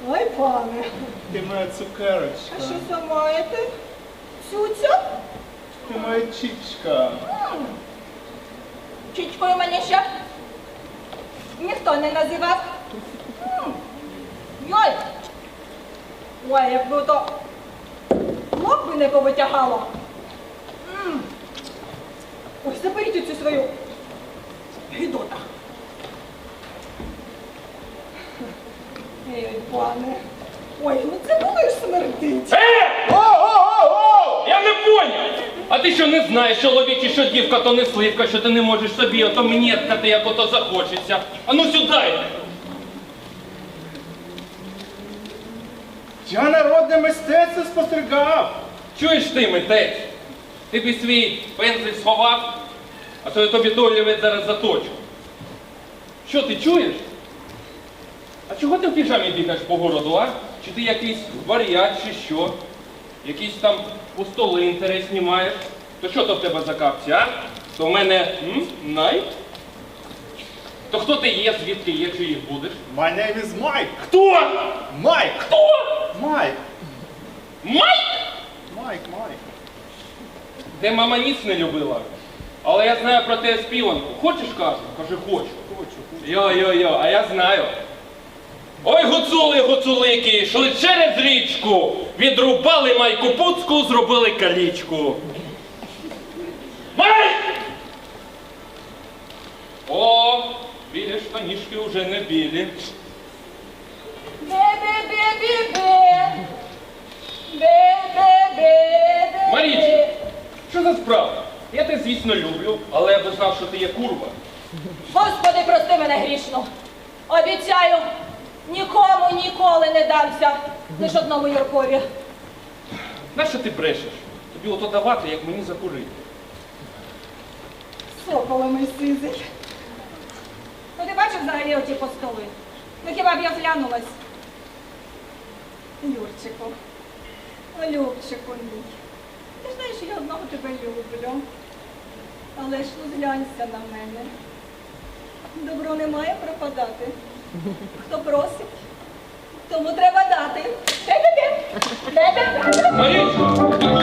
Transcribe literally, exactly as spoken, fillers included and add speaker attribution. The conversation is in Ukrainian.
Speaker 1: Ой, пане.
Speaker 2: Ти моя цукерочка.
Speaker 1: А що це маєте? Цюця?
Speaker 2: Ти моя чічка.
Speaker 1: Чічкою мене ще ніхто не називав. М. Йой! Ой, якби то лоб би не повитягало. М. Ой, заберіть цю свою гидота. Ей, пане. Ой, ну це будеш смердить.
Speaker 3: Е!
Speaker 2: О-о-о-о!
Speaker 3: Я не поняв! А ти що не знаєш, чоловічі, що дівка то не сливка, що ти не можеш собі ото мнєткати, як ото захочеться. А ну сюди!
Speaker 2: Я народне мистецтво спостерігав.
Speaker 3: Чуєш ти, митець? Ти б свій пензель сховав, а то я тобі долівець зараз заточу. Що ти чуєш? А чого ти в піжамі бігаєш по городу, а? Чи ти якийсь варіат, чи що? Якісь там пустоли інтересні маєш? То що то в тебе за капці, а? То в мене м? най? То хто ти є, звідки є, чи їх будеш?
Speaker 2: My name is Mike.
Speaker 3: Хто?
Speaker 2: Майк.
Speaker 3: Хто?
Speaker 2: Майк.
Speaker 3: Майк?
Speaker 2: Майк, Майк.
Speaker 3: Де мама ніц не любила. Але я знаю про те співанку. Хочеш, кажу? Кажи, хочу.
Speaker 2: Хочу.
Speaker 3: Йо-йо-йо, а я знаю. Ой, гуцули, гуцулики, йшли через річку, відрубали майку пуцку, зробили калічку. Май! О, білі штанішки вже не білі.
Speaker 1: Бе-бе-бе-бе-бе. Бе-бе-бе-бе-бе.
Speaker 3: Марічка, що за справа? Я тебе, звісно, люблю, але я би знав, що ти є курва.
Speaker 1: Господи, прости мене грішну. Обіцяю, нікому ніколи не дамся. Лиш одному Юркові.
Speaker 3: Нащо ти брешеш? Тобі ото давати, як мені закурити.
Speaker 1: Соколе мій сизий. Ну ти бачив взагалі оті постоли? Ну хіба б я зглянулась? Юрчику, о, Любчику мій. Ти ж знаєш, я одного тебе люблю. Але ж ну зглянься на мене. Добро не має пропадати. Хто просить, тому треба дати. Бе-бе-бе. Бе-бе-бе.
Speaker 3: Марічка, ти